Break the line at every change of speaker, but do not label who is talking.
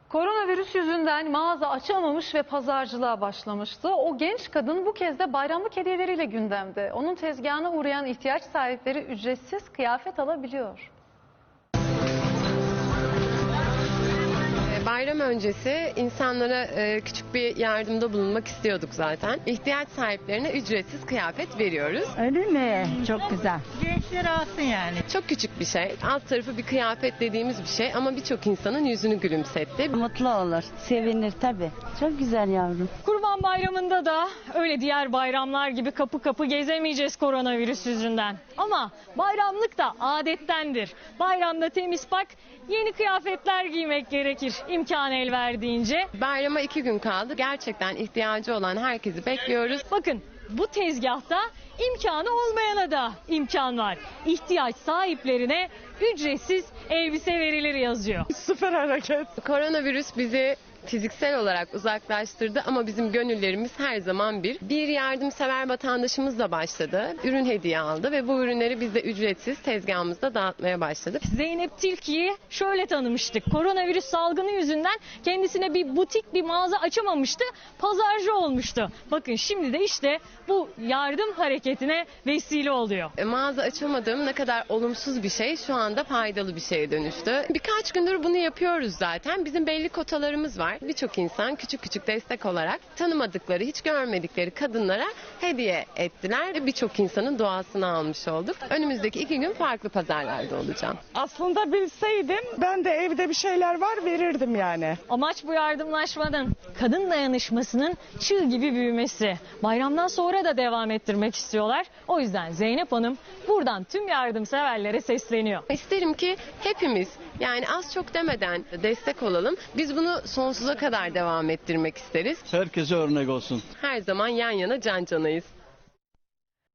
Koronavirüs yüzünden mağaza açamamış ve pazarcılığa başlamıştı. O genç kadın bu kez de bayramlık hediyeleriyle gündemde. Onun tezgahına uğrayan ihtiyaç sahipleri ücretsiz kıyafet alabiliyor.
Bayram öncesi insanlara küçük bir yardımda bulunmak istiyorduk zaten. İhtiyaç sahiplerine ücretsiz kıyafet veriyoruz.
Öyle mi? Çok güzel.
Gençler alsın yani.
Çok küçük bir şey. Alt tarafı bir kıyafet dediğimiz bir şey ama birçok insanın yüzünü gülümsetti.
Mutlu olur, sevinir tabii. Çok güzel yavrum.
Kurban Bayramı'nda da öyle diğer bayramlar gibi kapı kapı gezemeyeceğiz koronavirüs yüzünden. Ama bayramlık da adettendir. Bayramda temiz pak, yeni kıyafetler giymek gerekir imkan el verdiğince.
Bayrama 2 gün kaldı. Gerçekten ihtiyacı olan herkesi bekliyoruz.
Bakın bu tezgahta imkanı olmayana da imkan var. İhtiyaç sahiplerine ücretsiz elbise verilir yazıyor.
Süper hareket. Koronavirüs bizi fiziksel olarak uzaklaştırdı ama bizim gönüllerimiz her zaman bir. Bir yardımsever vatandaşımız da başladı. Ürün hediye aldı ve bu ürünleri biz de ücretsiz tezgahımızda dağıtmaya başladık.
Zeynep Tilki'yi şöyle tanımıştık. Koronavirüs salgını yüzünden kendisine bir butik, bir mağaza açamamıştı. Pazarcı olmuştu. Bakın şimdi de işte bu yardım hareketine vesile oluyor.
Mağaza açamadığım ne kadar olumsuz bir şey şu anda faydalı bir şeye dönüştü. Birkaç gündür bunu yapıyoruz zaten. Bizim belli kotalarımız var. Birçok insan küçük küçük destek olarak tanımadıkları, hiç görmedikleri kadınlara hediye ettiler ve birçok insanın duasını almış olduk. Önümüzdeki 2 gün farklı pazarlarda olacağım.
Aslında bilseydim ben de evde bir şeyler var verirdim yani.
Amaç bu yardımlaşmanın, kadın dayanışmasının çığ gibi büyümesi. Bayramdan sonra da devam ettirmek istiyorlar. O yüzden Zeynep Hanım buradan tüm yardımseverlere sesleniyor.
İsterim ki hepimiz yani az çok demeden destek olalım. Biz bunu sonsuza kadar devam ettirmek isteriz.
Herkese örnek olsun.
Her zaman yan yana can canayız.